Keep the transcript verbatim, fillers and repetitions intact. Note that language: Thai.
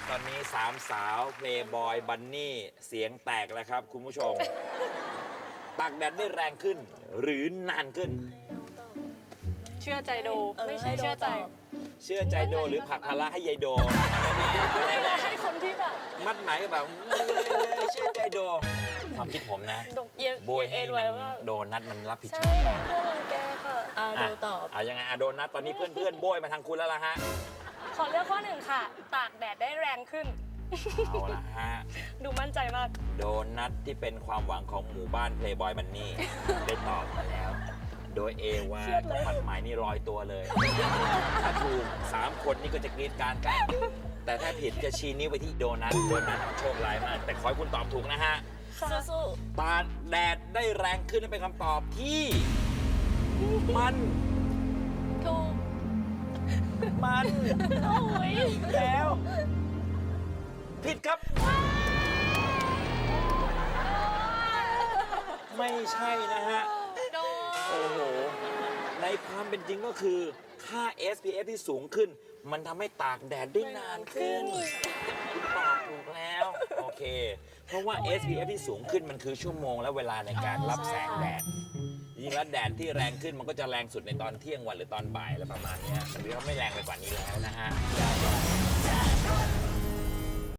ตอนนี้สามสาวเพลย์บอยบันนี่เสียงแตกแล้วครับคุณผู้ชมตากแดดได้แรงขึ้น หรือนานขึ้นเชื่อใจโดเออไม่ใช่ให้โดเชื่อใจตอบเชื่อใจโดหรือผลักภาระให้ยายโดให้คนที่แบบมัดไหมายก็แบบเชื่อใจโดความคิดผมนะดกเย็นโบยให้เอ็นมัไว้นว่าโดนัทมันรับผิดชใช่อบเพื่อนรังแกค่ะอ่าอ่ะดูตอบเอายังไงอะโดนัทตอนนี้เพื่อนๆโบยมาทางคุณแล้วล่ะฮะขอเลือกข้อหนึ่งค่ะ ตากแดดได้แรงขึ้นเอาละฮะดูมั่นใจมากโดนัทที่เป็นความหวังของหมู่บ้านเพลย์บอยบันนี่ได้ตอบมาแล้ว โดยเอว่ามัดหมายนี่ลอยตัวเลย ถ้าถูกสามคนนี่ก็จะกรีดกรารกัน แต่ถ้าผิดจะชี้นิ้วไปที่โดนัทโดนัทโชคร้ายมาก แต่ขอให้คุณตอบถูกนะฮะสู้ตาแดดได้แรงขึ้นนั่นเป็นคำตอบที่มันๆถูกมันโอ้ยแล้ว ผิดครับ ไม่ใช่นะฮะโดโอ้โห ในความเป็นจริงก็คือ ค่า เอส พี เอฟ ที่สูงขึ้น มันทำให้ตากแดดได้นานขึ้น คุณตอบถูกแล้ว โอเค เพราะว่า เอส พี เอฟ ที่สูงขึ้นมันคือชั่วโมงและเวลาในการรับแสงแดด จริงๆแล้วแดดที่แรงขึ้นมันก็จะแรงสุดในตอนเที่ยงวันหรือตอนบ่ายอะไรประมาณเนี้ยแต่นี่เขาไม่แรงไปกว่านี้แล้วนะฮะ